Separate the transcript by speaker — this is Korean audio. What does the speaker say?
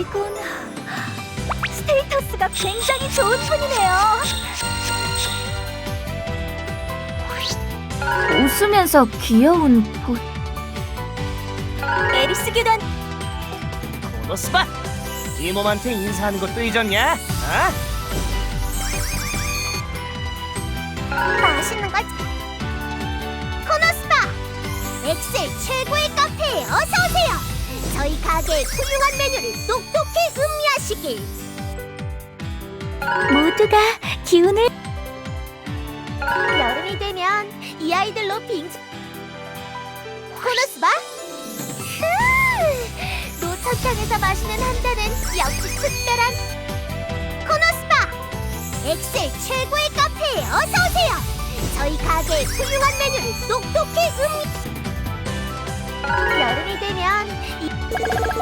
Speaker 1: 이건 스테이터스가 굉장히 좋은 분이네요. 웃으면서 귀여운 보. 에리스 교단.
Speaker 2: 코노스바! 이 몸한테 인사하는 것도 잊었냐? 어?
Speaker 1: 맛있는 걸. 코노스바! 엑셀 최고의 카페에 어서 오세요. 저희 가게의 훌륭한 메뉴를 똑똑히 음미하시길. 모두가 기운을. 여름이 되면 이 아이들로 빙수. 코노스바? 노천탕에서 마시는 한 잔은 역시 특별한. 코노스바! 엑셀 최고의 카페에 어서 오세요. 저희 가게의 훌륭한 메뉴를 똑똑히 음미. 여름이 되면